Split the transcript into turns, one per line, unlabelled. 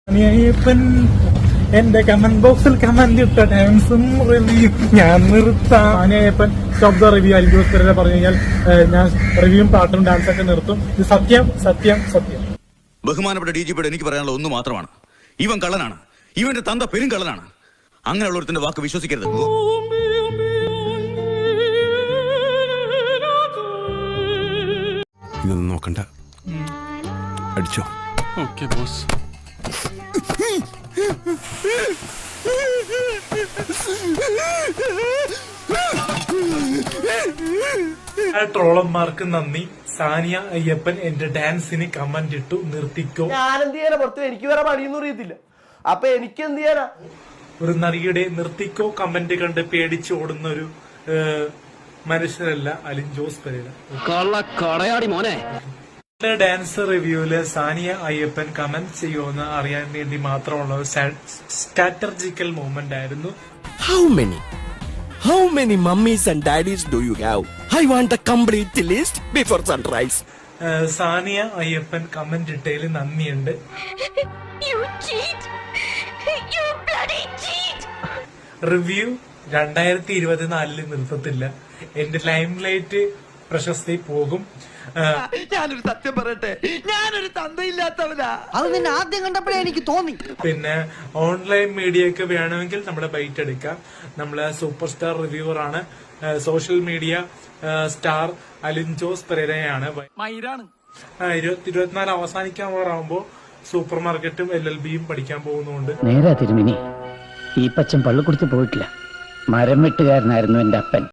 എന്റെ കമന്റ് ബോക്സിൽ കമന്റ് ഇട്ട ടൈംസും റിവ്യൂ ഞാൻ നിർത്താം. Aniyappan stop the review Alin Jose Pereira പറഞ്ഞു കഴിഞ്ഞാൽ ഞാൻ റിവ്യൂവും പാട്ടും ഡാൻസൊക്കെ നിർത്തും. ഇത് സത്യം സത്യം സത്യം.
ബഹുമാനപ്പെട്ട DGP എനിക്ക് പറയാനുള്ള ഒന്ന് മാത്രമാണ്, ഇവൻ കള്ളനാണ്, ഇവന്റെ തന്ത പെരും കള്ളനാണ്. അങ്ങനെയുള്ളവരുടെ വാക്ക് വിശ്വസിക്കരുത്.
ഇതൊന്നും നോക്കണ്ട, അടിച്ചോ.
Okay boss.
ട്രോളന്മാർക്ക് നന്ദി. സാനിയ അയ്യപ്പൻ എന്റെ ഡാൻസിന് കമന്റ് ഇട്ടു, നിർത്തിക്കോ.
ഞാൻ എന്ത് ചെയ്യാനാ, പുറത്ത് എനിക്ക് വേറെ പണിയൊന്നും അറിയത്തില്ല, അപ്പൊ എനിക്ക് എന്ത് ചെയ്യാനാ.
ഒരു നടിയുടെ നിർത്തിക്കോ കമന്റ് കണ്ട് പേടിച്ച് ഓടുന്ന ഒരു മനുഷ്യരല്ല അലിൻ ജോസ് പെരേര.
മോനെ
ഡാൻസ് റിവ്യൂല് സാനിയ അയ്യപ്പൻ കമന്റ് ചെയ്യുമെന്ന് അറിയാൻ വേണ്ടി മാത്രമുള്ള ഒരു സ്ട്രാറ്റജിക്കൽ മൂവ്മെന്റ് ആയിരുന്നു.
How many mummies and daddies do you have? I want a complete list before sunrise.
Sania Ayyappan comment ഇട്ടതിൽ നന്ദിയുണ്ട്. റിവ്യൂ 2024 നിർത്തത്തില്ല. എന്റെ ലൈം ലൈറ്റ് പ്രശസ്തി പോകും.
ഞാനൊരു സത്യം പറയട്ടെ, ഞാനൊരു തന്തയില്ലാത്തവനാ. അത് നിന്നെ ആദ്യം കണ്ടപ്പോഴേ എനിക്ക് തോന്നി.
പിന്നെ ഓൺലൈൻ മീഡിയ ഒക്കെ വേണമെങ്കിൽ നമ്മുടെ ബൈറ്റ് എടുക്കാം. നമ്മള് സൂപ്പർ സ്റ്റാർ റിവ്യൂവർ ആണ്. Social media star Alin Jose പെരേരയാണ്. 2024 അവസാനിക്കാൻ പോറാകുമ്പോ സൂപ്പർ മാർക്കറ്റും LLBയും പഠിക്കാൻ പോകുന്നുണ്ട്.
നേരാ തിരുമിനി, ഈ പച്ചൻ പള്ളിക്കുടുത്ത് പോയിട്ടില്ല, മരം വെട്ടുകാരനായിരുന്നു എന്റെ അപ്പൻ.